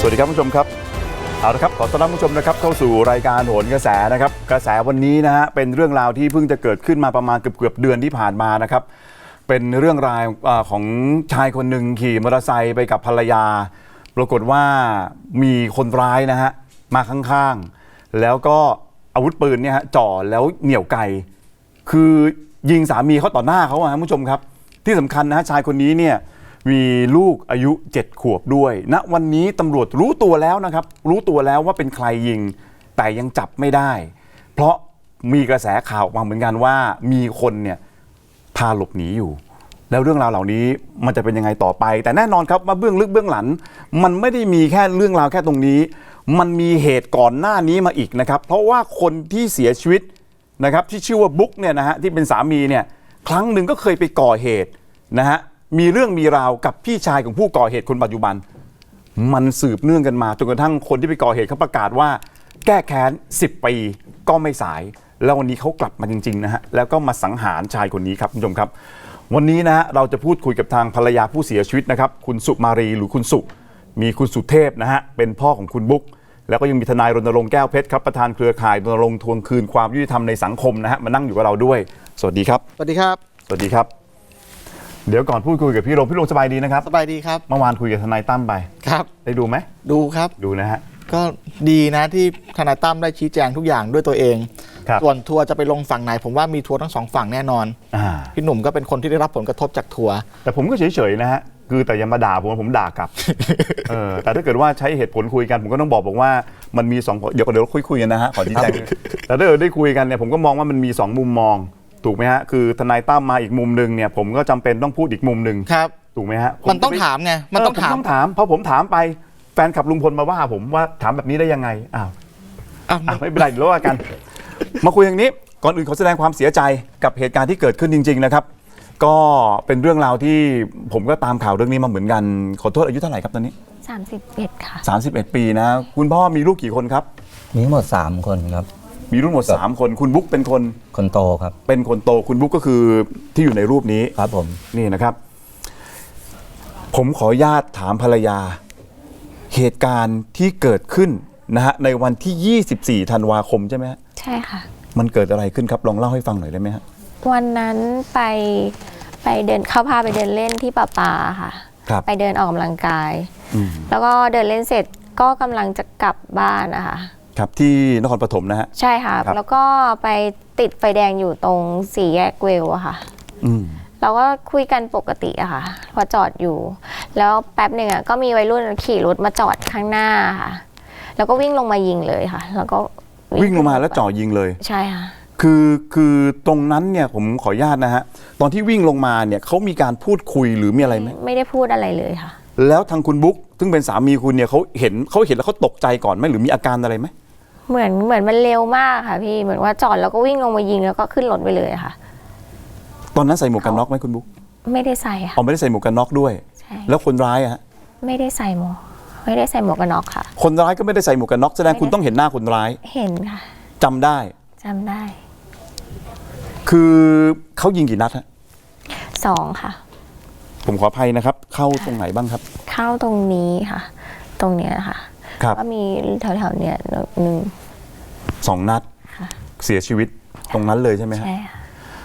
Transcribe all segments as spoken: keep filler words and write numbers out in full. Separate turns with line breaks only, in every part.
วัสดีครับผู้ชมครับเอาละครับขอต้อนรับผู้ชมนะครับเข้าสู่รายการโหนกระแสนะครับกระแสวันนี้นะฮะเป็นเรื่องราวที่เพิ่งจะเกิดขึ้นมาประมาณเกือบเกือบเดือนที่ผ่านมานะครับเป็นเรื่องราวของชายคนหนึ่งขี่มอเตอร์ไซค์ไปกับภรรยาปรากฏว่ามีคนร้ายนะฮะมาข้างๆแล้วก็อาวุธปืนเนี่ยฮะจ่อแล้วเหนี่ยวไกคือยิงสามีเขาต่อหน้าเขาอะผู้ชมครับที่สำคัญนะฮะชายคนนี้เนี่ยมีลูกอายุเจ็ดขวบด้วยณวันนี้ตำรวจรู้ตัวแล้วนะครับรู้ตัวแล้วว่าเป็นใครยิงแต่ยังจับไม่ได้เพราะมีกระแสข่าวออกมาเหมือนกันว่ามีคนเนี่ยพาหลบหนีอยู่แล้วเรื่องราวเหล่านี้มันจะเป็นยังไงต่อไปแต่แน่นอนครับว่าเบื้องลึกเบื้องหลังมันไม่ได้มีแค่เรื่องราวแค่ตรงนี้มันมีเหตุก่อนหน้านี้มาอีกนะครับเพราะว่าคนที่เสียชีวิตนะครับที่ชื่อว่าบุ๊กเนี่ยนะฮะที่เป็นสามีเนี่ยครั้งหนึ่งก็เคยไปก่อเหตุนะฮะมีเรื่องมีราวกับพี่ชายของผู้ก่อเหตุคนปัจจุบันมันสืบเนื่องกันมาจนกระทั่งคนที่ไปก่อเหตุเขาประกาศว่าแก้แค้นสิบปีก็ไม่สายแล้ววันนี้เขากลับมาจริงๆนะฮะแล้วก็มาสังหารชายคนนี้ครับคุณผู้ชมครับวันนี้นะฮะเราจะพูดคุยกับทางภรรยาผู้เสียชีวิตนะครับคุณสุมารีหรือคุณสุมีคุณสุเทพนะฮะเป็นพ่อของคุณบุ๊กแล้วก็ยังมีทนายรณรงค์แก้วเพชรครับประธานเครือข่ายรณรงค์ทวงคืนความยุติธรรมในสังคมนะฮะมานั่งอยู่กับเราด้วยสวัสดีครับ
สวัสดีครับ
สวัสดีครับเดี๋ยวก่อนพูดคุยกับพี่โรงพี่โรงสบายดีนะครับ
สบายดีครับ
เมื่อวานคุยกับทนายตั้มไป
ครับ
ได้ดูไหม
ดูครับ
ดูนะฮะ
ก็ดีนะที่ทนายตั้มได้ชี้แจงทุกอย่างด้วยตัวเองส่วนทัวร์จะไปลงฝั่งไหนผมว่ามีทัวร์ทั้งสองฝั่งแน่นอนพี่หนุ่มก็เป็นคนที่ได้รับผลกระทบจากทัวร์
แต่ผมก็เฉยๆนะฮะคือแต่ยังมาด่าผมผมด่ากลับ เออแต่ถ้าเกิดว่าใช้เหตุผลคุยกันผมก็ต้องบอกบอกว่ามันมีสองเดี๋ยวเดี๋ยวคุยคุยกันนะฮะขอชี้แจงแต่ถ้าเกิดได้คุยกันเนี่ยผมก็มองว่ามันมีสองมุมมองถูกไหมฮะคือทนายตั้มมาอีกมุมนึงเนี่ยผมก็จำเป็นต้องพูดอีกมุมนึง
ครับ
ถูกไหมฮะ
มันต้องถามไงมันต้องถาม
ต้องถามเพราะผมถามไปแฟนขับลุงพลมาว่าผมว่าถามแบบนี้ได้ยังไงอ้าวไม่เป็นไรเดี๋ยวว่ากันมาคุยอย่างนี้ก่อนอื่นขอแสดงความเสียใจกับเหตุการณ์ที่เกิดขึ้นจริงๆนะครับก็เป็นเรื่องราวที่ผมก็ตามข่าวเรื่องนี้มาเหมือนกันขอโทษอายุเท่าไหร่ครับตอนนี้
สามสิบเอ็ดค่ะ
สามสิบเอ็ดปีนะคุณพ่อมีลูกกี่คนครับ
มีทั้งหมดสามคนครับ
มีลูกหมดสามคนคุณบุ๊กเป็นคน
คนโตครับ
เป็นคนโตคุณบุ๊กก็คือที่อยู่ในรูปนี้
ครับผม
นี่นะครับผมขออนุญาตถามภรรยาเหตุการณ์ที่เกิดขึ้นนะฮะในวันที่ยี่สิบสี่ธันวาคมใช่ไหมฮะ
ใช่ค่ะ
มันเกิดอะไรขึ้นครับลองเล่าให้ฟังหน่อยได้ไหมฮะ
วันนั้นไปไปเดินเขาพาไปเดินเล่นที่ป่าป่าค่ะไปเดินออกกำลังกายแล้วก็เดินเล่นเสร็จก็กำลังจะกลับบ้านนะคะ
ครับที่นครปฐมนะฮะ
ใช่ค่ะแล้วก็ไปติดไฟแดงอยู่ตรงสี่แยกเวลอะค่ะเราก็คุยกันปกติอะค่ะพอจอดอยู่แล้วแป๊บหนึ่งอะก็มีวัยรุ่นขี่รถมาจอดข้างหน้าค่ะแล้วก็วิ่งลงมายิงเลยค่ะแล้วก็
วิ่งลงมาแล้วจ่อยิงเลย
ใช่ค่ะ
คือคือตรงนั้นเนี่ยผมขออนุญาตนะฮะตอนที่วิ่งลงมาเนี่ยเขามีการพูดคุยหรือมีอะไรไหม
ไม่ได้พูดอะไรเลยค่ะ
แล้วทางคุณบุ๊กซึ่งเป็นสามีคุณเนี่ยเขาเห็นเขาเห็นแล้วเขาตกใจก่อนไหมหรือมีอาการอะไรไหม
เหมือนเหมือนมันเร็วมากค่ะพี่เหมือนว่าจอดแล้วก็วิ่งลงมายิงแล้วก็ขึ้นรถไปเลยค่ะ
ตอนนั้นใส่หมวกกันน็อกไหมคุณบุ๊ก
ไม่ได้ใส่ค่ะ
อ๋อไม่ได้ใส่หมวกกันน็อกด้วย
ใช่
แล้วคนร้ายอะฮะ
ไม่ได้ใส่หมวกไม่ได้ใส่หมวกกันน็อกค่ะ
คนร้ายก็ไม่ได้ใส่หมวกกันน็อกแสดงคุณต้องเห็นหน้าคนร้าย
เห็นค่ะ
จำได้
จำได้
คือเขายิงกี่นัดฮะ
สองค่ะ
ผมขออภัยนะครับเข้าตรงไหนบ้างครับ
เข้าตรงนี้ค่ะตรงเนี้ยค่ะก็มีแถวๆเนี้ยหนึ่ง
สองนัดเสียชีวิตตรงนั้นเลยใช่ไหมฮะ
ใช่ค่ะ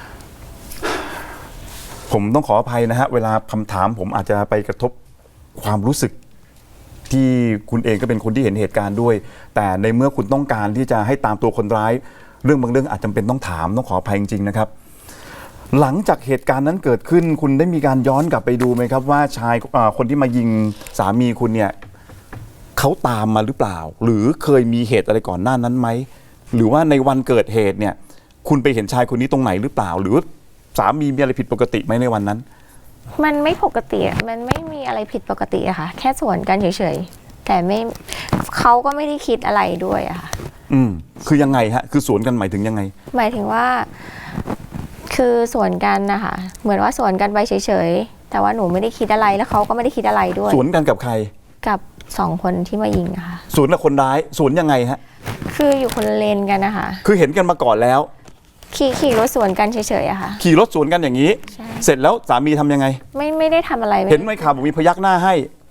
ผมต้องขออภัยนะฮะเวลาคำถามผมอาจจะไปกระทบความรู้สึกที่คุณเองก็เป็นคนที่เห็นเหตุการณ์ด้วยแต่ในเมื่อคุณต้องการที่จะให้ตามตัวคนร้ายเรื่องบางเรื่องอาจจำเป็นต้องถามต้องขออภัยจริงๆนะครับหลังจากเหตุการณ์นั้นเกิดขึ้นคุณได้มีการย้อนกลับไปดูไหมครับว่าชายคนที่มายิงสามีคุณเนี่ยเขาตามมาหรือเปล่าหรือเคยมีเหตุอะไรก่อนหน้านั้นไหมหรือว่าในวันเกิดเหตุเนี่ยคุณไปเห็นชายคนนี้ตรงไหนหรือเปล่าหรือสามีมีอะไรผิดปกติไหมในวันนั้น
มันไม่ปกติมันไม่มีอะไรผิดปกติอะค่ะแค่สวนกันเฉยๆแต่ไม่เขาก็ไม่ได้คิดอะไรด้วยอะค่ะ
อืมคือยังไงฮะคือสวนกันหมายถึงยังไง
หมายถึงว่าคือสวนกันนะคะเหมือนว่าสวนกันไปเฉยๆแต่ว่าหนูไม่ได้คิดอะไรแล้วเขาก็ไม่ได้คิดอะไรด้วย
สวนกันกับใคร
กับสองคนที่มายิงอะค่ะ
สวนกับคนร้ายสวนยังไงฮะ
คืออยู่คนละเลนกันนะคะ
คือเห็นกันมาก่อนแล้ว
ขี่ขี่รถสวนกันเฉยๆอะค่ะ
ขี่รถสวนกันอย่างนี้เสร็จแล้วสามีทำยังไง
ไม่ไม่ได้ทำอะไร
เห็นไหมข่าวบอกมีพยักหน้าให้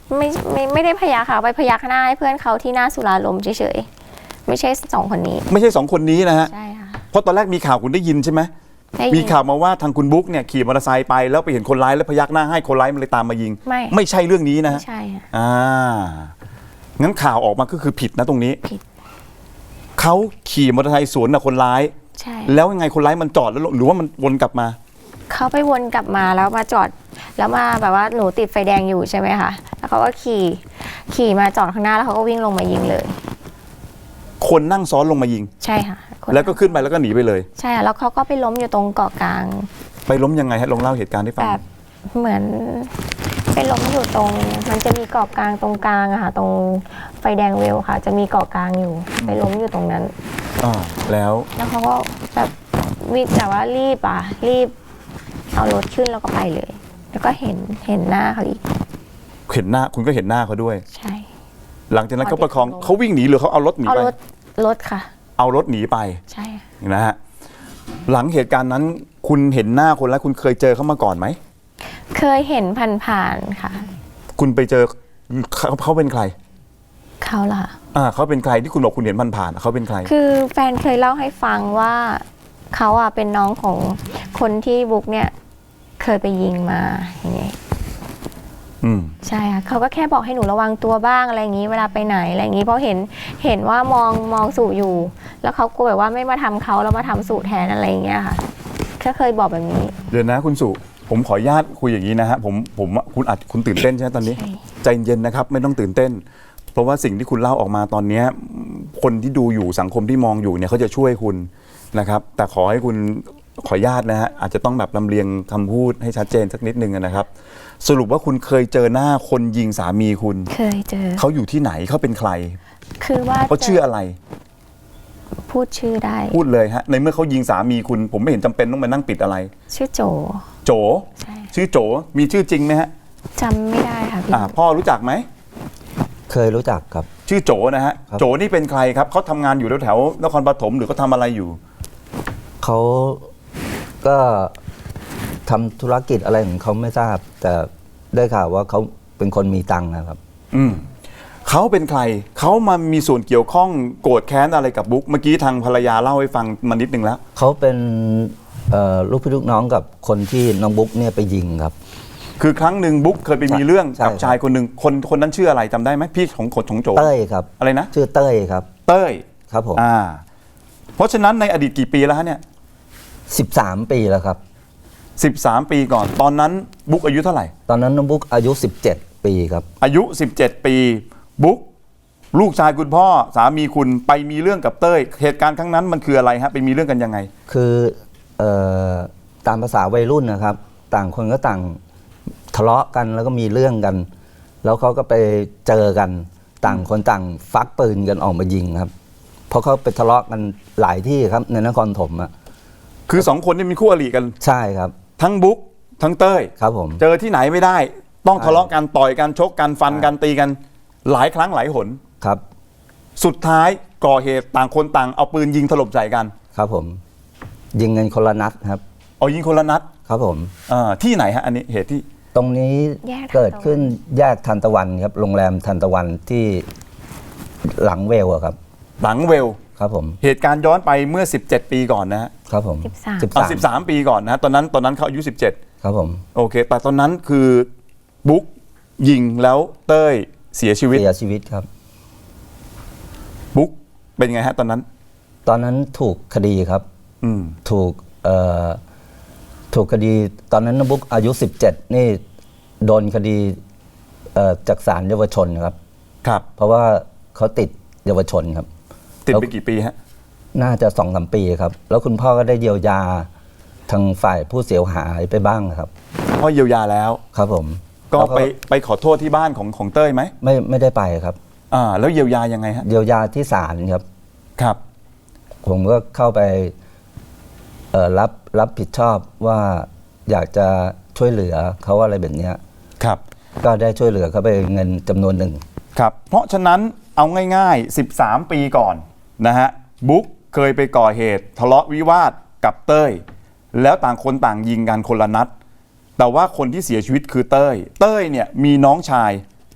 ไม่ไม่ไม่ได้พยักค่ะไปพยักหน้าให้เพื่อนเขาที่หน้าสุราลมเฉยๆไม่ใช่สองคนนี้
ไม่ใช่สองคนนี้นะฮะ
ใช่ค่ะ
เพราะตอนแรกมีข่าวคุณได้ยินใช่ไหม
ได้ยิน
มีข่าวมาว่าทางคุณบุ๊กเนี่ยขี่มอเตอร์ไซค์ไปแล้วไปเห็นคนร้ายแล้วพยักหน้าให้คนร้ายมันเลยตามมายิง
ไม่
ไม่ใช่เรื่องนี้นะฮะ
ไม่ใช่ค่ะ
อ่างั้นข่าวออกมาก็คือผิดนะตรงนี้
ผิด
เขาขี่มอเตอร์ไซค์สวนกับคนร้าย
ใช่
แล้วยังไงคนร้ายมันจอดแล้วลงหรือว่ามันวนกลับมา
เขาไปวนกลับมาแล้วมาจอดแล้วมาแบบว่าหนูติดไฟแดงอยู่ใช่ไหมคะแล้วเขาก็ขี่ขี่มาจอดข้างหน้าแล้วเขาก็วิ่งลงมายิงเลย
คนนั่งซ้อนลงมายิง
ใช่ค่ะคน
แล้วก็ขึ้นไปแล้วก็หนีไปเลย
ใช่ค่ะแล้วเขาก็ไปล้มอยู่ตรงเกาะกลาง
ไปล้มยังไงฮะลองเล่าเหตุการณ์ให้ฟัง
แบบเหมือนไปล้มอยู่ตรงมันจะมีเกาะกลางตรงกลางอะค่ะตรงไฟแดงเวลค่ะ จะมีเกาะกลางอยู่ไปล้มอยู่ตรงนั้น
อ่าแล้ว
แล้วเขาก็แบบวิแต่ว่ารีบอ่ะรีบเอารถขึ้นแล้วก็ไปเลย แล้วก็เห็นเห็นหน้าเขาอีก
เห็นหน้าคุณก็เห็นหน้าเขาด้วย
ใช่
หลังจากนั้น
พอ
เขาประคอง
เด็กลง
เขาวิ่งหนีหรือเขาเอารถหนี
เอา
ไป
รถรถค่ะ
เอารถหนีไป
ใช่ค่ะ
นะฮะหลังเหตุการณ์นั้นคุณเห็นหน้าคนแล้วคุณเคยเจอเขามาก่อนไหม
เคยเห็นผ่านๆค่ะ
คุณไปเจอเขาเขาเป็นใคร
เขาล่ะ
อ่าเขาเป็นใครที่คุณบอกคุณเห็นผ่านๆเขาเป็นใคร
คือแฟนเคยเล่าให้ฟังว่าเขาอ่ะเป็นน้องของคนที่บุ๊กเนี่ยเคยไปยิงมาอย่างเงี้ย
อืม
ใช่ค่ะเขาก็แค่บอกให้หนูระวังตัวบ้างอะไรอย่างนี้เวลาไปไหนอะไรอย่างนี้เพราะเห็นเห็นว่ามองมองสู่อยู่ แล้วเขากลัวแบบว่าไม่มาทำเขาแล้วมาทำสู่แทนอะไรอย่างเงี้ยค่ะแค่เคยบอกแบบนี้
เดี๋ยวนะคุณสุผมขออนุญาตคุยอย่างนี้นะฮะผมผมคุณอาจคุณตื่นเต้นใช่ไหมตอนนี้
ใช่
ใจเย็นนะครับไม่ต้องตื่นเต้น เพราะว่าสิ่งที่คุณเล่าออกมาตอนเนี้ยคนที่ดูอยู่สังคมที่มองอยู่เนี่ยเขาจะช่วยคุณนะครับ แต่ขอให้คุณขออนุญาตนะฮะอาจจะต้องแบบลำเลียงคำพูดให้ชัดเจนสักนิดนึงนะครับ สรุปว่าคุณเคยเจอหน้าคนยิงสามีคุณ
เคยเจอ
เขาอยู่ที่ไหนเขาเป็นใคร
คือว่า
เขาชื่ออะไร
พูดชื่อได้
พูดเลยฮะในเมื่อเขายิงสามีคุณ ผมไม่เห็นจำเป็นต้องมานั่งปิดอะไร
ชื่อโจ
โจ
ใช่
ชื่อโจมีชื่อจริงไหมฮะ
จำไม่ได้ค่ะพี่
อ่าพ่อรู้จักไหม
เคยรู้จักครับ
ชื่อโจนะฮะ
ครับ
โจนี่เป็นใครครับเขาทำงานอยู่แถวๆนครปฐมหรือเขาทำอะไรอยู่
เขาก็ทำธุรกิจอะไรของเขาไม่ทราบ แต่ได้ข่าวว่าเขาเป็นคนมีตังค์นะครับ
อืมเขาเป็นใครเขามามีส่วนเกี่ยวข้องโกรธแค้นอะไรกับบุ๊กเมื่อกี้ทางภรรยาเล่าให้ฟังมานิดนึงแล้ว
เขาเป็นเอ่อลูกพี่ลูกน้องกับคนที่น้องบุ๊กเนี่ยไปยิงครับ
คือครั้งหนึ่งบุ๊กเคยไปมีเรื่อง
ใช่
กับชายคนหนึ่งคนคนนั้นชื่ออะไรจำได้ไหมพี่ของของโจ
เต้ยครับ
อะไรนะ
ชื่อเต้ยครับ
เต้ย
ครับผม
อ่า เพราะฉะนั้นในอดีตกี่ปีแล้วฮะเนี่ย
สิบสามปีแล้วครับ
สิบสามปีก่อนตอนนั้นบุ๊กอายุเท่าไหร่
ตอนนั้นน้องบุ๊กอายุสิบเจ็ดปีครับ
อายุสิบเจ็ดปีบุ๊กลูกชายคุณพ่อสามีคุณไปมีเรื่องกับเต้ยเหตุการณ์ครั้งนั้นมันคืออะไรฮะไปมีเรื่องกันยังไง
คือเอ่อตามภาษาวัยรุ่นนะครับ ต่างคนก็ต่างทะเลาะกันแล้วก็มีเรื่องกัน แล้วเขาก็ไปเจอกันต่างคนต่างฟักปืนกันออกมายิงครับ เพราะเขาไปทะเลาะกันหลายที่ครับในนครถมอะ
คือสองคนนี่มีคู่อริกัน
ใช่ครับ
ทั้งบุ๊กทั้งเต้ย
ครับผม
เจอที่ไหนไม่ได้ ต้องทะเลาะกันต่อยกันชกกันฟันกันตีกัน หลายครั้งหลายหน
ครับ
สุดท้ายก่อเหตุต่างคนต่างเอาปืนยิงถล่มใส่กัน
ครับผม ยิงกันคนละนัดครับ
เอายิงคนละนัด
ครับผม
อ่าที่ไหนฮะอันนี้เหตุที่
ตรงนี้
แยกทันตะวัน
เกิดขึ้นแยกทันตะวันครับโรงแรมทันตะวันที่หลังเวลอะครับ
หลังเวล
ครับผม
เหตุการณ์ย้อนไปเมื่อสิบเจ็ดปีก่อนนะฮะ
ครับผม
สิบสาม
อ่าสิบสามปีก่อนนะฮะตอนนั้นตอนนั้นเขาอายุสิบเจ็ด
ครับผม
โอเค แต่ตอนนั้นคือบุ๊กยิงแล้วเต้ยเสียชีวิต
เสียชีวิตครับ
บุ๊กเป็นไงฮะตอนนั้น
ตอนนั้นถูกคดีครับ
อืม
ถูกเอ่อถูกคดีตอนนั้นน้องบุ๊กอายุสิบเจ็ดนี่โดนคดีเอ่อจากศาลเยาวชนครับ
ครับ
เพราะว่าเขาติดเยาวชนครับ
ติดไปกี่ปีฮะ
น่าจะสองสามปีครับ แล้วคุณพ่อก็ได้เยียวยาทางฝ่ายผู้เสียหายไปบ้างครับ
พ่อเยียวยาแล้ว
ครับผม
ก็
แล้ว
ไปไปขอโทษที่บ้านของของเต้ยไหม
ไม่ไม่ได้ไปครับ
อ่า แล้วเยียวยายังไงฮะ
เยียวยาที่ศาลครับ
ครับ
ผมก็เข้าไปเอ่อรับรับผิดชอบว่าอยากจะช่วยเหลือเขาอะไรแบบเนี้ย
ครับ
ก็ได้ช่วยเหลือเขาไปเงินจำนวนหนึ่ง
ครับ เพราะฉะนั้นเอาง่ายๆสิบสามปีก่อนนะฮะบุ๊กเคยไปก่อเหตุทะเลาะวิวาทกับเต้ยแล้วต่างคนต่างยิงกันคนละนัดแต่ว่าคนที่เสียชีวิตคือเต้ยเต้ยเนี่ยมีน้องชาย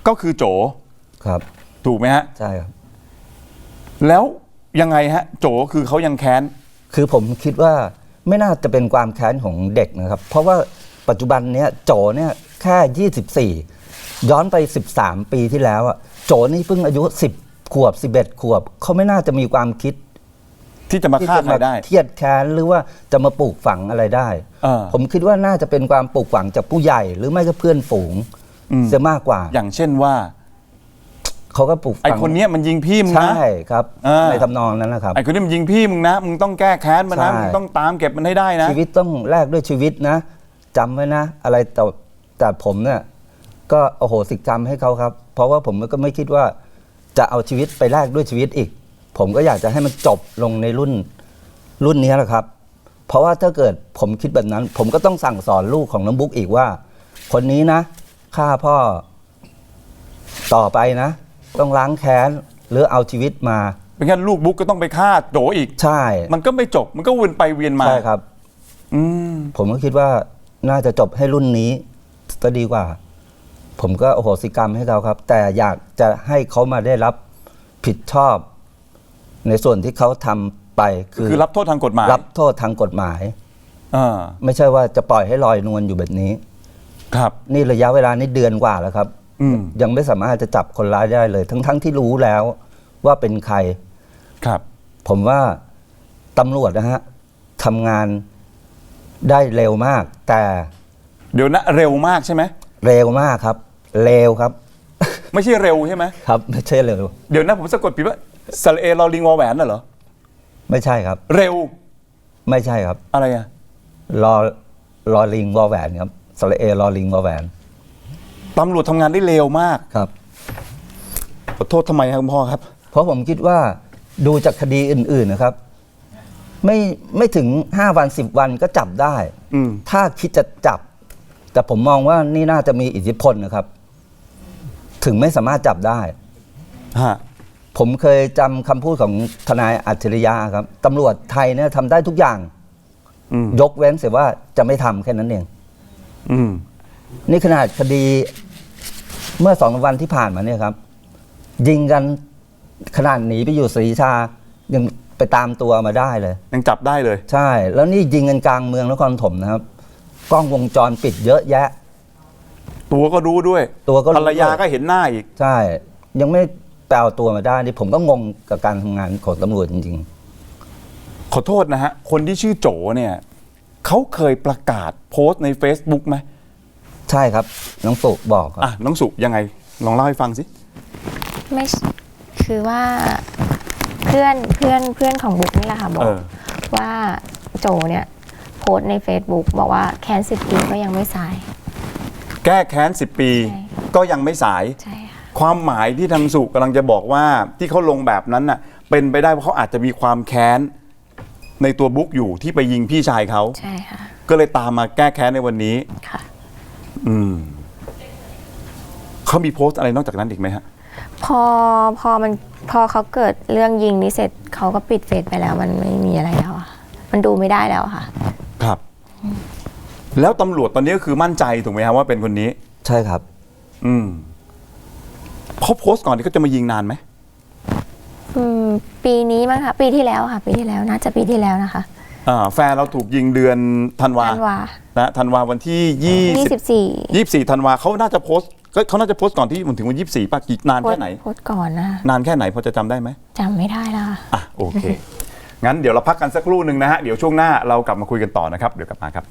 ก็คือโจ
ครับ
ถูกไหมฮะ
ใช่ครับ
แล้วยังไงฮะโจคือเขายังแค้น
คือผมคิดว่าไม่น่าจะเป็นความแค้นของเด็กนะครับ เพราะว่าปัจจุบันเนี้ยโจเนี่ยแค่ยี่สิบสี่ย้อนไปสิบสามปีที่แล้วอะโจนี่เพิ่งอายุสิบขวบสิบเอ็ดขวบเขาไม่น่าจะมีความคิด
ที่จะมา
ที่
ฆ่า
จะ
ใคร
มา
ได้
เครียดแค้นหรือว่าจะมาปลูกฝังอะไรได้
เออ
ผมคิดว่าน่าจะเป็นความปลูกฝังจากผู้ใหญ่หรือไม่ก็เพื่อนฝูง
อืม
จะมากกว่า
อย่างเช่นว่า
เขาก็ปลูกฝัง
ไอคนเนี้ยมันยิงพี่มึงนะ
ใช่ครับ
เออ
ในทำนองนั้นนะครับ
ไอคนนี้มันยิงพี่มึงนะมึงต้องแก้แค้นมันนะ
ใช่
มึงต้องตามเก็บมันให้ได้นะ
ชีวิตต้องแลกด้วยชีวิตนะจำไว้นะ อะไรแต่แต่ผมเนี่ยก็โอโหสิกรรมให้เขาครับ เพราะว่าผมก็ไม่คิดว่าจะเอาชีวิตไปแลกด้วยชีวิตอีก ผมก็อยากจะให้มันจบลงในรุ่นรุ่นนี้แหละครับ เพราะว่าถ้าเกิดผมคิดแบบนั้น ผมก็ต้องสั่งสอนลูกของน้องบุ๊กอีกว่า คนนี้นะฆ่าพ่อต่อไปนะ ต้องล้างแค้นหรือเอาชีวิตมา
เป็นแค่ลูกบุ๊กก็ต้องไปฆ่าโจอีก
ใช่
มันก็ไม่จบมันก็วนไปเวียนมา
ใช่ครับ
อืม
ผมก็คิดว่าน่าจะจบให้รุ่นนี้ก็ดีกว่า ผมก็โอโหสิกรรมให้เขาครับ แต่อยากจะให้เขามาได้รับผิดชอบ ในส่วนที่เขาทำไปคือ
คือรับโทษทางกฎหมาย
รับโทษทางกฎหมาย
อ่า
ไม่ใช่ว่าจะปล่อยให้ลอยนวลอยู่แบบนี้
ครับ
นี่ระยะเวลานี้เดือนกว่าแล้วครับ
อืม
ยังไม่สามารถจะจับคนร้ายได้เลย ทั้งๆที่รู้แล้วว่าเป็นใคร
ครับ
ผมว่าตำรวจนะฮะทำงานได้เร็วมาก แต่
เดี๋ยวนะเร็วมากใช่ไหม
เร็วมากครับเร็วครับ
ไม่ใช่เร็วใช่ไหม
ครับไม่ใช่เร็ว
เดี๋ยวนะผมสะกดผิดว่าสระเอลอลิงวอแหวนน่ะเหรอ
ไม่ใช่ครับ
เร็ว
ไม่ใช่ครับ
อะไรอ่ะ
รอรอลิงวอแหวนครับสระเอรอลิงวอแหวน
ตำรวจทำงานได้เร็วมาก
ครับ
ขอโทษทำไมครับคุณพ่อครับ
เพราะผมคิดว่าดูจากคดีอื่น ๆนะครับ ไม่ไม่ถึงห้าวันสิบวันก็จับได้
อืม
ถ้าคิดจะจับ แต่ผมมองว่านี่น่าจะมีอิทธิพลนะครับ ถึงไม่สามารถจับได้
ฮะ
ผมเคยจำคำพูดของทนายอัจฉริยะครับตำรวจไทยเนี่ยทำได้ทุกอย่าง
อืม
ยกเว้นเสียว่าจะไม่ทำแค่นั้นเอง
อืม
นี่ขนาดคดีเมื่อสองวันที่ผ่านมาเนี่ยครับ ยิงกันขนาดหนีไปอยู่ศรีชายังไปตามตัวมาได้เลย
ยังจับได้เลย
ใช่ แล้วนี่ยิงกันกลางเมืองนครปฐมนะครับ กล้องวงจรปิดเยอะแยะ
ตัวก็รู้ด้วย
ตัวก็รู้
ภรรยาก็เห็นหน้าอีก
ใช่ ยังไม่แปลตัวมาได้นี่ผมก็งงกับการทำงานของตำรวจจริง
ขอโทษนะฮะ คนที่ชื่อโจเนี่ยเขาเคยประกาศโพสต์ใน Facebook ไหม
ๆ ใช่ครับ น้องสุบอกครับ
อ่ะน้องสุยังไง ลองเล่าให้ฟังสิ
ไม่ใช่คือว่าเพื่อนเพื่อนเพื่อนของบุ๊กนี่แหละค่ะบอ
เอก อ
ว่าโจเนี่ยโพสต์ใน Facebook บอกว่าแค้นสิบปีก็ยังไม่สาย
แก้แค้นสิบปี
ใช่
ก็ยังไม่สาย
ใช่ค่ะ
ความหมายที่ทางสุกำลังจะบอกว่าที่เขาลงแบบนั้นน่ะ เป็นไปได้ว่าเขาอาจจะมีความแค้นในตัวบุ๊กอยู่ที่ไปยิงพี่ชายเขา
ใช่ค่ะ
ก็เลยตามมาแก้แค้นในวันนี้
ค่ะ
อืมเขามีโพสต์อะไรนอกจากนั้นอีกไหมฮะ
พอพอมันพอเขาเกิดเรื่องยิงนี้เสร็จเขาก็ปิดเฟซไปแล้วมันไม่มีอะไรแล้วอะมันดูไม่ได้แล้วอะค่ะ
ครับ แล้วตำรวจตอนนี้ก็คือมั่นใจถูกไหมครับว่าเป็นคนนี้
ใช่ครับ
อืมเขาโพสต์ก่อนที่เขาจะมายิงนานไหม
อืมปีนี้มั้งคะปีที่แล้วค่ะ ปีที่แล้วน่าจะปีที่แล้วนะคะ
อ่า แฟนเราถูกยิงเดือนธันวา
ธันวา
นะธันวาวันที่ยี่
ยี่
สิ
สิ
บบ
สี่
ยี่สิบสี่ธันวาเขาน่าจะโพสต์ก็เขาน่าจะโพสต์ก่อนที่มันถึงวันยี่สิบสี่ป่ะกี่นาน
โพส
แค่
ต์
ไหน
โพสต์ก่อนนะ
นานแค่ไหนพอจะจำได้ไหม
จำไม่ได้แล้วค่ะ
อ่ะโอเค งั้นเดี๋ยวเราพักกันสักครู่หนึ่งนะฮะ เดี๋ยวช่วงหน้าเรากลับมาคุยกันต่อนะครับ เดี๋ยวกลับมาครับ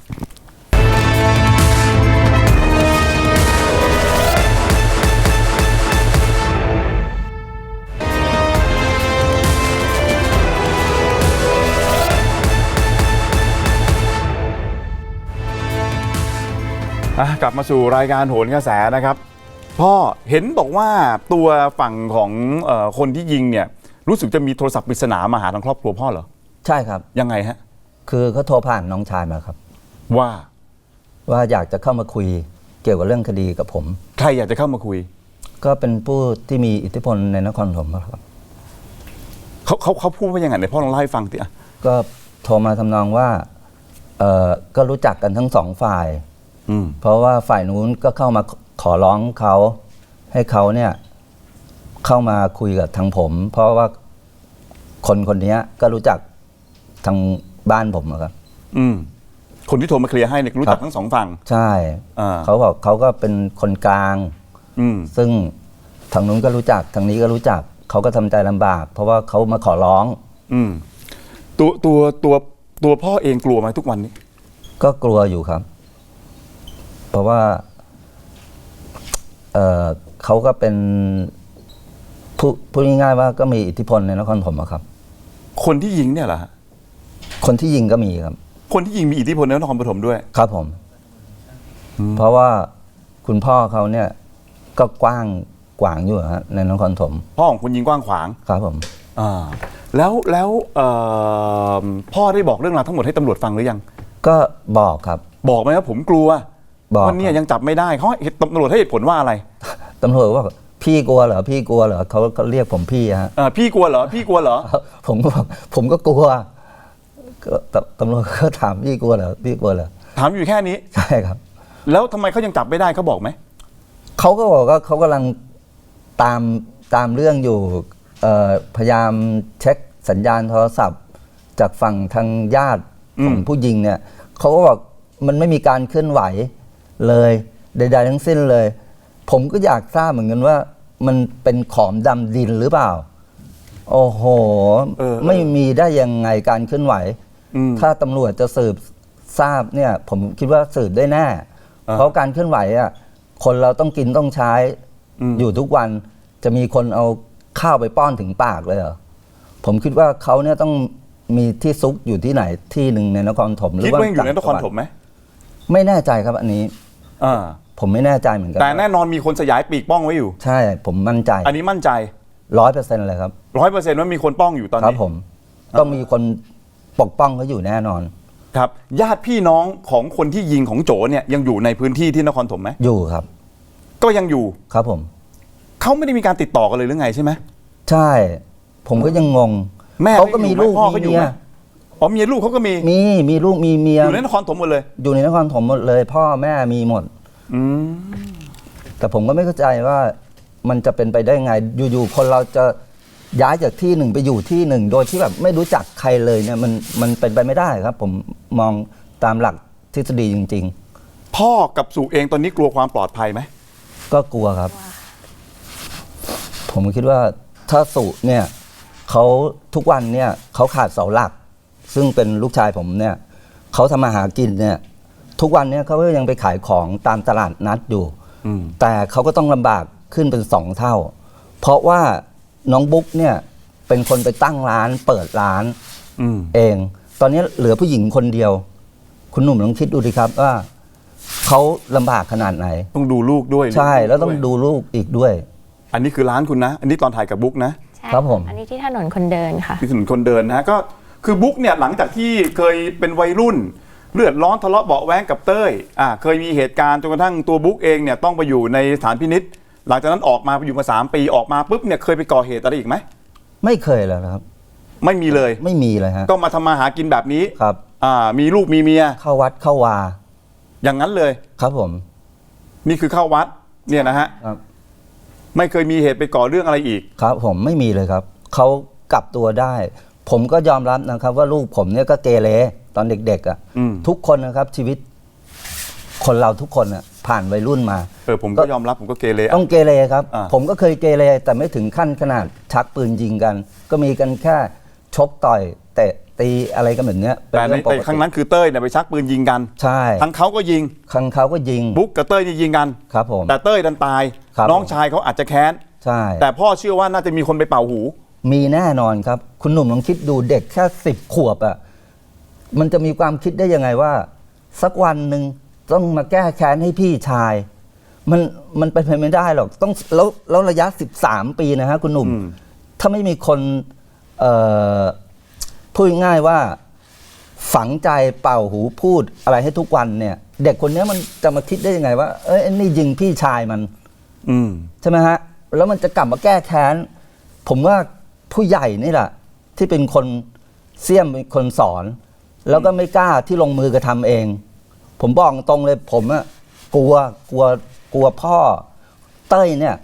อ่ะกลับมาสู่รายการโหนกระแสนะครับ พ่อเห็นบอกว่าตัวฝั่งของเอ่อคนที่ยิงเนี่ย รู้สึกจะมีโทรศัพท์ปริศนามาหาทางครอบครัวพ่อเหรอ
ใช่ครับ
ยังไงฮะ
คือเขาโทรผ่านน้องชายมาครับ
ว่า
ว่าอยากจะเข้ามาคุยเกี่ยวกับเรื่องคดีกับผม
ใครอยากจะเข้ามาคุย
ก็เป็นผู้ที่มีอิทธิพลในนครปฐมครับ
เขาเขาเขาพูดว่ายังไงไหนพ่อลองเล่าให้ฟังสิอ่ะ
ก็โทรมาทำนองว่าเออก็รู้จักกันทั้งสองฝ่าย
อืม
เพราะว่าฝ่ายนู้นก็เข้ามาขอร้องเขาให้เขาเนี่ยเข้ามาคุยกับทางผม เพราะว่าคนคนนี้ก็รู้จักทางบ้านผมอะครับ
อืมคนที่โทรมาเคลียร์ให้เนี่ยรู้จักทั้งสองฝั่ง
ใช่
อ่า
เขาบอกเขาก็เป็นคนกลาง
อืม
ซึ่งทางนู้นก็รู้จักทางนี้ก็รู้จักเขาก็ทำใจลำบาก เพราะว่าเขามาขอร้อง
อืมตัวตัวตัวตัวพ่อเองกลัวไหมทุกวันนี้
ก็กลัวอยู่ครับ เพราะว่าเอ่อเขาก็เป็นผู้พูดง่ายๆว่าก็มีอิทธิพลในนครปฐมอะครับ
คนที่ยิงเนี่ยเหรอฮะ
คนที่ยิงก็มีครับ
คนที่ยิงมีอิทธิพลในนครปฐมด้วย
ครับผม เพราะว่าคุณพ่อเขาเนี่ยก็กว้างกวางอยู่ฮะในนครปฐม
พ่อของคุณยิงกว้างขวาง
ครับผม
อ่าแล้วแล้วเอ่อพ่อได้บอกเรื่องราวทั้งหมดให้ตำรวจฟังหรือยัง
ก็บอกครับ
บอกไหมว่าผมกลัว
บอก
วันนี้ยังจับไม่ได้เขาให้ตำรวจให้เหตุผลว่าอะไร
ตำรวจว่าพี่กลัวเหรอพี่กลัวเหรอเขาเขาเรียกผมพี่ฮะ
เอ่อพี่กลัวเหรอพี่กลัวเหรอ
ผมก็บอกผมก็กลัวก็ตตำรวจก็ถามพี่กลัวเหรอพี่กลัวเหรอ
ถามอยู่แค่นี้
ใช่ครับ
แล้วทำไมเขายังจับไม่ได้เขาบอกไหม
เขาก็บอกว่าเขากำลังตามตามเรื่องอยู่เอ่อพยายามเช็คสัญญาณโทรศัพท์ จากฝั่งทางญาติของผู้ยิงเนี่ยเขาก็บอกมันไม่มีการเคลื่อนไหวเลยใดๆทั้งสิ้นเลย ผมก็อยากทราบเหมือนกันว่ามันเป็นขอมดำดินหรือเปล่า โอ้โห
เออ
ไม่มีได้ยังไงการเคลื่อนไหว
อืม
ถ้าตำรวจจะสืบทราบเนี่ย ผมคิดว่าสืบได้แน่
อ่า
เพราะการเคลื่อนไหวอ่ะคนเราต้องกินต้องใช้
อืม
อยู่ทุกวันจะมีคนเอาข้าวไปป้อนถึงปากเลยเหรอผมคิดว่าเขาเนี่ยต้องมีที่ซุกอยู่ที่ไหนที่หนึ่งในนครปฐมหรื
คิด
อว่า
ว่ายังอยู่ในนครปฐมไหม
ไม่แน่ใจครับอันนี้
อ่า
ผมไม่แน่ใจเหมือนกัน
แต่แน่นอนมีคนสยายปีกป้องไว้อยู่
ใช่ผมมั่นใจ
อันนี้มั่นใจ
ร้อยเปอร์เซ็นต์เลยครับ
ร้อยเปอร์เซ็นต์ว่ามีคนป้องอยู่ตอน
ครับ
นี้
ผมต้องมีคนปกป้องเขาอยู่แน่นอน
ครับ ญาติพี่น้องของคนที่ยิงของโจเนี่ยยังอยู่ในพื้นที่ที่นครปฐมไหม
อยู่ครับ
ก็ยังอยู่
ครับผม
เขาไม่ได้มีการติดต่อกันเลยหรือไงใช่ไหม
ใช่ ผมก็ยังงง
แม่
เขาก็มีลูก
พ่อ
มี
ก็อยู่
เมี
ไห
ย
มอ๋อเมียลูกเขาก็มี
มีมีลูกมีเมีย
อยู่ในนครปฐมหมดเลย
อยู่ในนครปฐมหมดเลย พ่อแม่มีหมด
อืม
แต่ผมก็ไม่เข้าใจว่ามันจะเป็นไปได้ไง อยู่ๆคนเราจะย้ายจากที่หนึ่งไปอยู่ที่หนึ่ง โดยที่แบบไม่รู้จักใครเลยเนี่ยมันมันเป็นไปไม่ได้ครับ ผมมองตามหลักทฤษฎีจริง
พ่อกับสุเองตอนนี้กลัวความปลอดภัยไหม
ๆ ก็กลัวครับ ผมคิดว่าถ้าสุเนี่ยเขาทุกวันเนี่ยเขาขาดเสาหลัก ซึ่งเป็นลูกชายผมเนี่ยเขาทำมาหากินเนี่ยทุกวันเนี่ยเขาก็ยังไปขายของตามตลาดนัดอยู่
อืม
แต่เขาก็ต้องลำบากขึ้นเป็นสองเท่า เพราะว่าน้องบุ๊กเนี่ยเป็นคนไปตั้งร้านเปิดร้าน
อืม
เอง ตอนนี้เหลือผู้หญิงคนเดียว คุณหนุ่มลองคิดดูดิครับว่าเขาลำบากขนาดไหน
ต้องดูลูกด้วย
ใช่แล้วต้องดูลูกอีกด้วย
อันนี้คือร้านคุณนะ อันนี้ตอนถ่ายกับบุ๊กนะ
ใช่
ครับผม
อันนี้ที่ถนนคนเดินค่ะ
ที่ถนนคนเดินนะฮะก็คือบุ๊กเนี่ยหลังจากที่เคยเป็นวัยรุ่น เลือดร้อนทะเลาะเบาะแว้งกับเต้ยอ่าเคยมีเหตุการณ์จนกระทั่งตัวบุ๊กเองเนี่ยต้องไปอยู่ในสถานพินิษหลังจากนั้นออกมาไปอยู่มาสามปีออกมาปุ๊บเนี่ยเคยไปก่อเหตุอะไรอีกไหม
ไม่เคยเลยนะครับ
ไม่มีเลย
ไม่มีเลยฮะ
ก็มาทำมาหากินแบบนี้
ครับ
อ่ามีลูกมีเมีย
เข้าวัดเข้าวา
อย่างนั้นเลย
ครับผม
นี่คือเข้าวัดเนี่ยนะฮะ
ครับ
ไม่เคยมีเหตุไปก่อเรื่องอะไรอีก
ครับผมไม่มีเลยครับเขากลับตัวได้ ผมก็ยอมรับนะครับ ว่าลูกผมเนี่ยก็เกเรตอนเด็กๆอ่ะ
อืม
ทุกคนนะครับชีวิต คนเราทุกคนอ่ะผ่านวัยรุ่นมา
เออผมก็ยอมรับผมก็เกเร
ต้องเกเรครับ
อ่า
ผมก็เคยเกเรแต่ไม่ถึงขั้นขนาดชักปืนยิงกัน ก็มีกันแค่ชกต่อยเตะตีอะไรกันแบบเนี้ยเป็น
แต่ใน
เรื่องป
แต่
ก
ครั้
ติ
งนั้นคือเต้ยเนี่ยไปชักปืนยิงกัน
ใช่
ทั้งเขาก็ยิง
ครั้งเขาก็ยิง
บุ๊กกับเต้ยนี่ยิงกัน
ครับผม
แต่เต้ยดันตาย
ครับ
น้องชายเขาอาจจะแค้น
ใช่
แต่พ่อเชื่อว่าน่าจะมีคนไปเป่าหู
มีแน่นอนครับ คุณหนุ่มลองคิดดูเด็กแค่สิบขวบอะ่ะมันจะมีความคิดได้ยังไงว่า สักวันหนึ่งต้องมาแก้แค้นให้พี่ชาย มันมันเป็นไปไม่ได้หรอกต้องแล้วแล้วระยะสิบสามปีนะฮะคุณหนุ่ม
อืม
ถ้าไม่มีคนเอ่อพูดง่ายๆว่า ฝังใจเป่าหูพูดอะไรให้ทุกวันเนี่ย เด็กคนนี้มันจะมาคิดได้ยังไงว่าเอ้ยนี่ยิงพี่ชายมัน
อืม
ใช่ไหมฮะ แล้วมันจะกลับมาแก้แค้น ผมว่าผู้ใหญ่นี่แหละที่เป็นคนเสี่ยมเป็นคนสอน แล้วก็ไม่กล้าที่ลงมือกระทำเอง ผมบอกตรงเลยผมอะกลัวกลัวกลัวพ่อเต้ยเนี่ย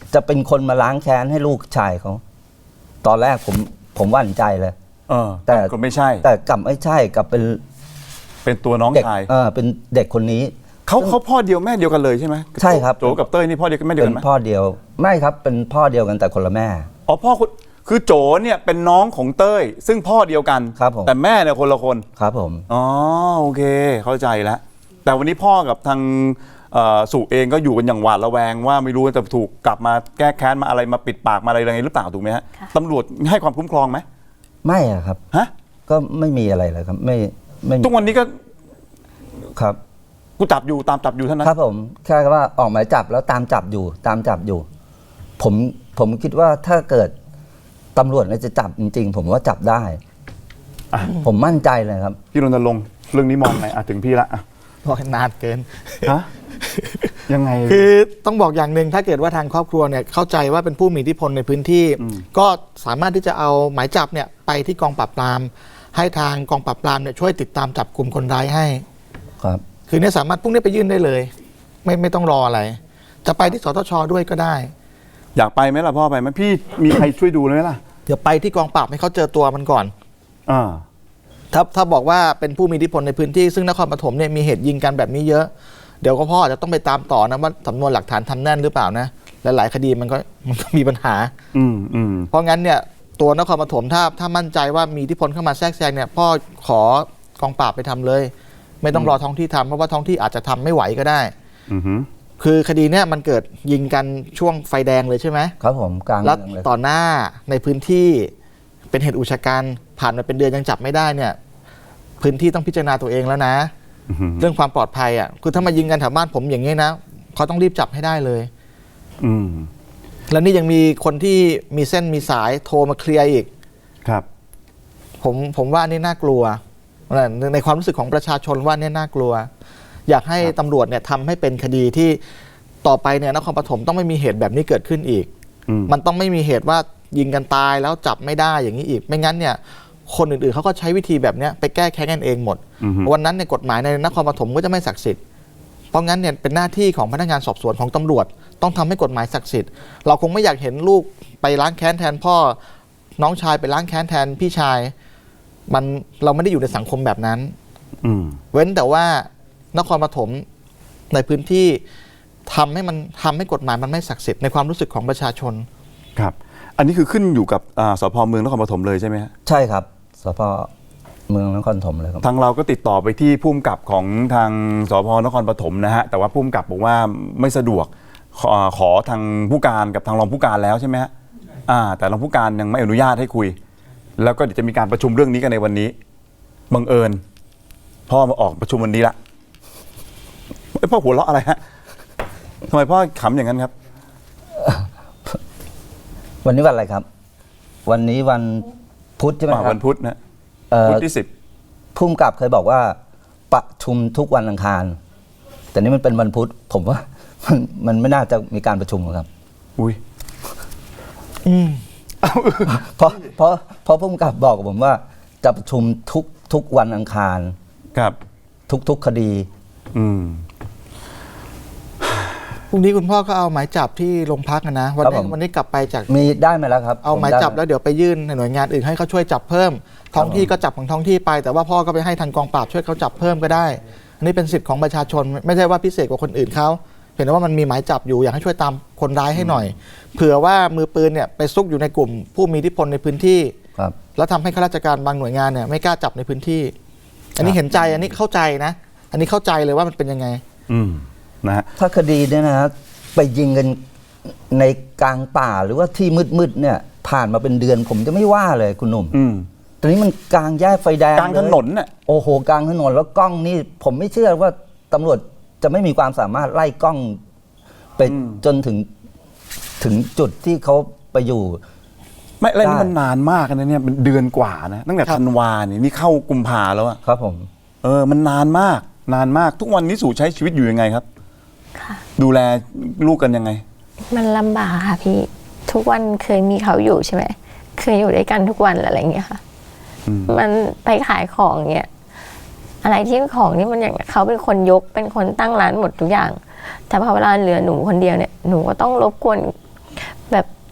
จะเป็นคนมาล้างแค้นให้ลูกชายเขาตอนแรกผมผมหวั่นใจเลย
เออ
แต่
ก็ไม่ใช่
แต่กลับไม่ใช่กลับเป็น
เป็นตัวน้อง
เด็ก
ชาย
เออเป็นเด็กคนนี้
เขาเขาพ่อเดียวแม่เดียวกันเลยใช่ไหม
ใช่ครับ
โจกับเต้ยนี่พ่อเดียวกันแม่เดียว
เป็
กัน
น
ไหม
พ่อเดียวไม่ครับเป็นพ่อเดียวกันแต่คนละแม่
อ๋อพ่อคุณคือโจเนี่ยเป็นน้องของเต้ยซึ่งพ่อเดียวกัน
ครับผม
แต่แม่เนี่ยคนละคน
ครับผม
อ๋อโอเคเข้าใจแล้วแต่วันนี้พ่อกับทางเอ่อสุเองก็อยู่กันอย่างหวาดระแวงว่าไม่รู้จะถูกกลับมาแก้แค้นมาอะไรมาปิดปากมาอะไรยังไงหรือเปล่าถูกไหมฮะ
ค่ะ
ตำรวจให้ความคุ้มครองไหม
ไม่อะครับ
ฮะ
ก็ไม่มีอะไรเลยครับ ไม่ไม่มี
ทุกวันนี้ก็
ครับ
กูจับอยู่ตามจับอยู่เท่านั้น
ครับผมแค่ว่าออกหมายจับแล้วตามจับอยู่ตามจับอยู่ ผมผมคิดว่าถ้าเกิดตำรวจเนี่ยจะจับจริงๆ ผมว่าจับได้
อ่ะ
ผมมั่นใจเลยครับ
พี่รณรงค์เรื่องนี้มองไงอ่ะถึงพี่ละอ่ะ
บอกให้นานเกิน
ฮะยังไง
คือต้องบอกอย่างหนึ่งถ้าเกิดว่าทางครอบครัวเนี่ยเข้าใจว่าเป็นผู้มีอิทธิพลในพื้นที่
อืม
ก็สามารถที่จะเอาหมายจับเนี่ยไปที่กองปราบปราม ให้ทางกองปราบปรามเนี่ยช่วยติดตามจับกลุ่มคนร้ายให้
ครับ
คือเนี่ยสามารถพรุ่งนี้ไปยื่นได้เลย ไม่ไม่ต้องรออะไร จะไปที่สตชด้วยก็ได้
อยากไปไหมล่ะพ่อไปไหมพี่มีใครช่วยดูไหมล่ะ
เดี๋ยวไปที่กองปราบให้เขาเจอตัวมันก่อน
อ่า
ถ้าถ้าบอกว่าเป็นผู้มีอิทธิพลในพื้นที่ซึ่งนครปฐมเนี่ยมีเหตุยิงกันแบบนี้เยอะ เดี๋ยวก็พ่ออาจจะต้องไปตามต่อนะว่าสำนวนหลักฐานทำแน่นหรือเปล่านะหลายๆคดีมันก็มันก็มีปัญหา
อืมอืม
เพราะงั้นเนี่ยตัวนครปฐมถ้าถ้ามั่นใจว่ามีอิทธิพลเข้ามาแทรกแซงเนี่ยพ่อขอกองปราบไปทำเลย ไม่ต้องรอท้องที่ทำเพราะว่าท้องที่อาจจะทำไม่ไหวก็ได้
อือหือ
คือคดีเนี่ยมันเกิดยิงกันช่วงไฟแดงเลยใช่ไหม
ครับผมกลาง
แล้ว
เมืองเลย
ต่อหน้าในพื้นที่เป็นเหตุอุกชะกันผ่านมาเป็นเดือนยังจับไม่ได้เนี่ยพื้นที่ต้องพิจารณาตัวเองแล้วนะ
อือหือ
เรื่องความปลอดภัยอ่ะคือถ้ามายิงกันแถวบ้านผมอย่างนี้นะเขาต้องรีบจับให้ได้เลย
อืม
แล้วนี่ยังมีคนที่มีเส้นมีสายโทรมาเคลียร์อีก
ครับ
ผมผมว่านี่น่ากลัวในความรู้สึกของประชาชนว่านี่น่ากลัว อยากให้ตำรวจเนี่ยทำให้เป็นคดีที่ต่อไปเนี่ยนครปฐมต้องไม่มีเหตุแบบนี้เกิดขึ้นอีก
อืม
มันต้องไม่มีเหตุว่ายิงกันตายแล้วจับไม่ได้อย่างนี้อีก ไม่งั้นเนี่ยคนอื่นๆเขาก็ใช้วิธีแบบเนี้ยไปแก้แค้นกันเองหมด
อือหือ
วันนั้นในยกฎหมายในนครปฐมก็จะไม่ศักดิ์สิทธิ์เพราะงั้นเนี่ยเป็นหน้าที่ของพนักงานสอบสวนของตำรวจ ต้องทำให้กฎหมายศักดิ์สิทธิ์เราคงไม่อยากเห็นลูกไปล้างแค้นแทนพ่อน้องชายไปล้างแค้นแทนพี่ชาย มันเราไม่ได้อยู่ในสังคมแบบนั้น
อืม
เว้นแต่ว่านครปฐมในพื้นที่ทำให้มันทำให้กฎหมายมันไม่ศักดิ์สิทธิ์ในความรู้สึกของประชาชน
ครับ อันนี้คือขึ้นอยู่กับอ่าสพเมืองนครปฐมเลยใช่ไหมฮะ
ใช่ครับสพเมืองนครปฐมเลยครับ
ทางเราก็ติดต่อไปที่ผู้กำกับของทางสพนครปฐมนะฮะแต่ว่าผู้กำกับบอกว่าไม่สะดวกขอขอทางผู้การกับทางรองผู้การแล้วใช่ไหมฮะอ่า แต่รองผู้การยังไม่อนุญาตให้คุย แล้วก็เดี๋ยวจะมีการประชุมเรื่องนี้กันในวันนี้บังเอิญพ่อมาออกประชุมวันนี้ละเอ้ยพ่อหัวเราะอะไรฮะทำไมพ่อขำอย่างนั้นครับ
วันนี้วันอะไรครับ วันนี้วันพุธใช่ไหมค
อ่า
รับ
วันพุธนะ
เอ่อ
พุธที่สิบ
ผู้กำกับเคยบอกว่าประชุมทุกวันอังคาร แต่นี่มันเป็นวันพุธผมว่า มันมันไม่น่าจะมีการประชุมหรอกครับ
อุ้ย
อืม
เพราะเพราะเพราะผู้กำกับบอกกับผมว่าจะประชุมทุกทุกวันอังคาร
ครับ
ทุกทุกคดี
อืม
พรุ่งนี้คุณพ่อก็เอาหมายจับที่โรงพักนะวัน
ครับ
นี้
ผม
วันนี้กลับไปจาก
มีได้ไหมแล้วครับ
เอาหมายจับแล้วเดี๋ยวไปยื่นในหน่วยงานอื่นให้เขาช่วยจับเพิ่ม ท้องที่ก็จับของท้องที่ไป แต่ว่าพ่อก็ไปให้ทางกองปราบช่วยเขาจับเพิ่มก็ได้ อันนี้เป็นสิทธิ์ของประชาชน ไม่ใช่ว่าพิเศษกว่าคนอื่นเขาเห็นว่ามันมีหมายจับอยู่อยากให้ช่วยตามคนร้ายให้หน่อย เผื่อว่ามือปืนเนี่ยไปซุกอยู่ในกลุ่มผู้มีอิทธิพลในพื้นที่
ครับ
แล้วทำให้ข้าราชการบางหน่วยงานเนี่ยไม่กล้าจับในพื้นที่ อันนี้เห็นใจอันนี้เข้าใจนะ อันนี้เข้าใจเลยว่ามันเป็นยังไง
อืมนะฮะ
ถ้าคดีเนี่ยนะฮะไปยิงกันในกลางป่าหรือว่าที่มืดๆเนี่ย ผ่านมาเป็นเดือนผมจะไม่ว่าเลยคุณหนุ่ม
อืม
ตอนนี้มันกลางแยกไฟแดง
กลางถนนน่ะ
โอ้โหกลางถนนแล้วกล้องนี่ ผมไม่เชื่อว่าตำรวจจะไม่มีความสามารถไล่กล้องไป
อืม
จนถึงถึงจุดที่เขาไปอยู่
ไม่แล้วนี่
ได้
มันนานมากนะเนี่ยเป็นเดือนกว่านะตั้งแต่
ครับ
ธันวาเนี่ยนี่เข้ากุมภาแล้วอะ
ครับผม
เออมันนานมากนานมากทุกวันนี้สู่ใช้ชีวิตอยู่ยังไงครับ
ค่ะ
ดูแลลูกกันยังไง
มันลำบากค่ะพี่ ทุกวันเคยมีเขาอยู่ใช่ไหมเคยอยู่ด้วยกันทุกวันอะไรอย่างเงี้ยค่ะ
อืม
มันไปขายของเงี้ยอะไรที่เป็นของนี่มันอย่างเขาเป็นคนยกเป็นคนตั้งร้านหมดทุกอย่าง แต่พอเวลาเหลือหนูคนเดียวเนี่ยหนูก็ต้องรบกวน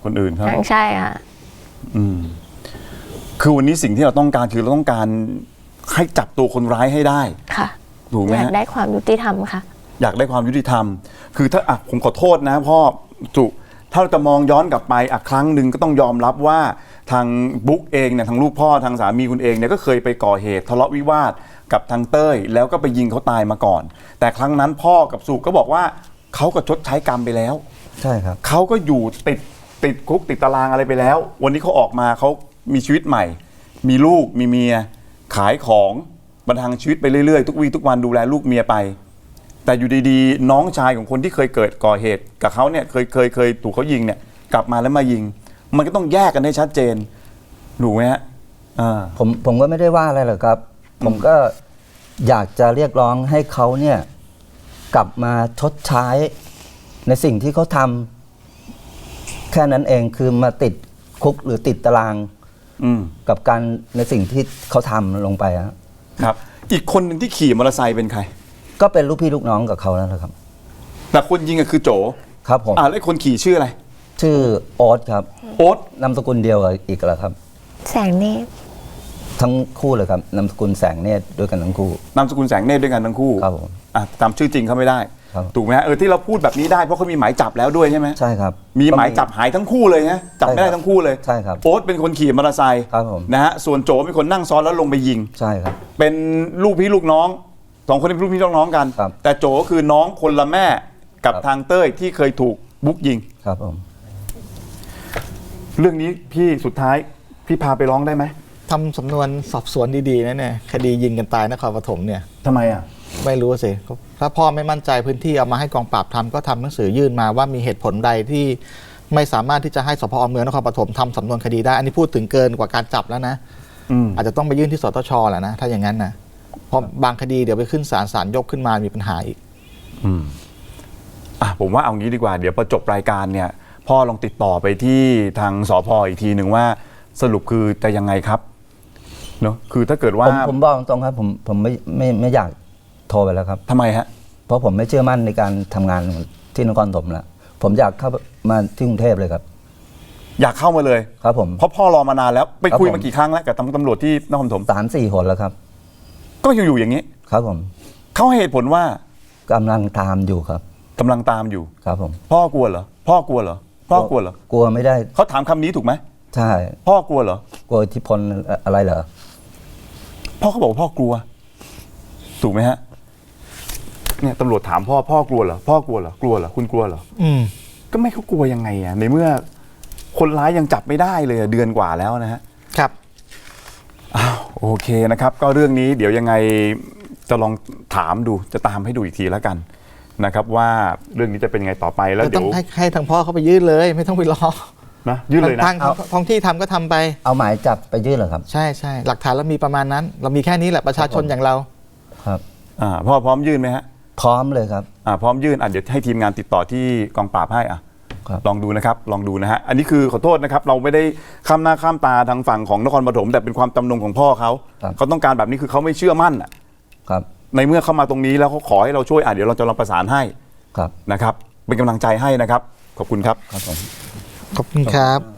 คนอื่นครับ
ใช่ค่ะ
อืมคือวันนี้สิ่งที่เราต้องการคือเราต้องการให้จับตัวคนร้ายให้ได้
ค่ะ
ถูกไหม
อยาก
ฮะ
ได้ความยุติธรรมค่ะ
อยากได้ความยุติธรรม คือถ้าอ่ะผมขอโทษนะพ่อจุถ้าเราจะมองย้อนกลับไปอ่ะครั้งหนึ่งก็ต้องยอมรับว่าทางบุ๊กเองเนี่ยทางลูกพ่อทางสามีคุณเองเนี่ยก็เคยไปก่อเหตุทะเลาะวิวาทกับทางเต้ยแล้วก็ไปยิงเขาตายมาก่อน แต่ครั้งนั้นพ่อกับสุก็บอกว่าเขาก็ชดใช้กรรมไปแล้ว
ใช่ครับ
เขาก็อยู่ติดติดคุกติดตารางอะไรไปแล้ว วันนี้เขาออกมาเขามีชีวิตใหม่ มีลูกมีเมียขายของบรรทังชีวิตไปเรื่อยๆทุกวี่ทุกวันดูแลลูกเมียไป แต่อยู่ดีๆน้องชายของคนที่เคยเกิดก่อเหตุกับเขาเนี่ยเคยเคยเคยถูกเขายิงเนี่ยกลับมาแล้วมายิง มันก็ต้องแยกกันให้ชัดเจนถูกไหมฮะอ่า
ผมผมก็ไม่ได้ว่าอะไรหรอกครับ ผมก็อยากจะเรียกร้องให้เขาเนี่ยกลับมาชดใช้ในสิ่งที่เขาทำแค่นั้นเองคือมาติดคุกหรือติดตาราง
อืม
กับการในสิ่งที่เขาทำลงไปฮะ
ครับ อีกคนหนึ่งที่ขี่มอเตอร์ไซค์เป็นใคร
ก็เป็นลูกพี่ลูกน้องกับเขาแล้วนะครับ
แต่คนยิงก็คือโจ
ครับผม
อ่าแล้วไอ้คนขี่ชื่ออะไร
ชื่อโอ๊ตครับ
โอ๊ต
นามสกุลเดียวกับอีกแล้วครับ
แสงเนตร
ทั้งคู่เลยครับนามสกุลแสงเนตรด้วยกันทั้งคู่
นามสกุลแสงเนตรด้วยกันทั้งคู่
ครับผม
อ่ะจำชื่อจริงเขาไม่ได้
ครับ
ถูกไหมฮะเออที่เราพูดแบบนี้ได้เพราะเขามีหมายจับแล้วด้วยใช่ไหม
ใช่ครับ
มีหมายจับหายทั้งคู่เลยนะจับไม่ได้ทั้งคู่เลย
ใช่ครับ
โอ๊ตเป็นคนขี่มอเตอร์ไซค์
ครับผม
นะฮะส่วนโจเป็นคนนั่งซ้อนแล้วลงไปยิง
ใช่ครับ
เป็นลูกพี่ลูกน้องสองคนนี้เป็นลูกพี่ลูกน้องกัน
ครับ
แต่โจก็คือน้องคนละแม่กับ
ครับ
ทางเต้ยที่เคยถูกบุ๊กยิง
ครับผม
เรื่องนี้พี่สุดท้ายพี่พาไปร้องได้ไหม
ทำสำนวนสอบสวนดีๆนะเนี่ยคดียิงกันตายนครปฐมเนี่ย
ทำไมอ่ะ
ไม่รู้สิถ้าพ่อไม่มั่นใจพื้นที่เอามาให้กองปราบทำก็ทำหนังสือยื่นมาว่ามีเหตุผลใดที่ไม่สามารถที่จะให้สพเมืองนครปฐมทำสำนวนคดีได้ อันนี้พูดถึงเกินกว่าการจับแล้วนะ
อืม
อาจจะต้องไปยื่นที่สตชแหละนะถ้าอย่างนั้นนะเพราะบางคดีเดี๋ยวไปขึ้นศาลศาลยกขึ้นมามีปัญหาอีก
อืมอ่ะผมว่าเอางี้ดีกว่าเดี๋ยวพอจบรายการเนี่ย พ่อลองติดต่อไปที่ทางสพอีกทีหนึ่งว่าสรุปคือจะยังไงครับเนาะคือถ้าเกิดว่า
ผมผมบอกตรงๆครับผมผมไม่ไม่ไม่อยากโทรไปแล้วครับ
ทำไมฮะ
เพราะผมไม่เชื่อมั่นในการทำงานที่นครปฐมแล้วผมอยากเข้ามาที่กรุงเทพเลยครับ
อยากเข้ามาเลย
ครับผม
เพราะพ่อรอมานานแล้วไปคุย
ครับผม
มากี่ครั้งแล้วกับตำตำรวจที่นครปฐม
สามสี่หนแล้วครับ
ก็ยังอยู่อย่างนี้
ครับผม
เขาให้เหตุผลว่าก
ำลังตามอยู่ครับ
กำลังตามอยู่
ครับผม
พ่อกลัวเหรอพ่อกลัวเหรอพ่อกลัวเหรอก
ลัวไม่ได้
เขาถามคำนี้ถูกไหม
ใช่
พ่อกลัวเหรอก
ลัวอิทธิพลอะไรเหรอ
พ่อเขาบอกว่าพ่อกลัว ถูกไหมฮะเนี่ยตำรวจถามพ่อพ่อกลัวเหรอพ่อกลัวเหรอกลัวเหรอคุณกลัวเหรอ
อืม
ก็ไม่เขากลัวยังไงอ่ะในเมื่อคนร้ายยังจับไม่ได้เลยอะเดือนกว่าแล้วนะฮะ
ครับ
อ้าวโอเคนะครับ ก็เรื่องนี้เดี๋ยวยังไงจะลองถามดูจะตามให้ดูอีกทีแล้วกันนะครับ ว่าเรื่องนี้จะเป็นยังไงต่อไปแล้ว
ก็
เดี๋
ต้
ย
อ
ว
งให้ให้ทางพ่อเขาไปยื่นเลย ไม่ต้องไปรอ
นะยื่นเลยนะ
ทางทางท้องที่ทำก็ทำไป
เอาหมายจับไปยื่นเหรอครับ
ใช่ใช่หลักฐานเรามีประมาณนั้น เรามีแค่นี้แหละประชาชนอย่างเรา
ครับ
อ่าพ่อพร้อมยื่นไหมฮะ
พร้อมเลยครับ
อ่าพร้อมยื่นอ่ะเดี๋ยวให้ทีมงานติดต่อที่กองปราบให้อ่ะ
ครับ
ลองดูนะครับลองดูนะฮะอันนี้คือขอโทษนะครับ เราไม่ได้ข้ามหน้าข้ามตาทางฝั่งของนครปฐมแต่เป็นความจำนงของพ่อเขา
ครับ
เขาต้องการแบบนี้คือเขาไม่เชื่อมั่นอ่ะ
ครับ
ในเมื่อเข้ามาตรงนี้แล้วเขาขอให้เราช่วยอ่ะเดี๋ยวเราจะลองประสานให้
ครับ
นะครับเป็นกำลังใจให้นะครับ ขอบคุณครับ
ครับผม
ขอบคุณครับ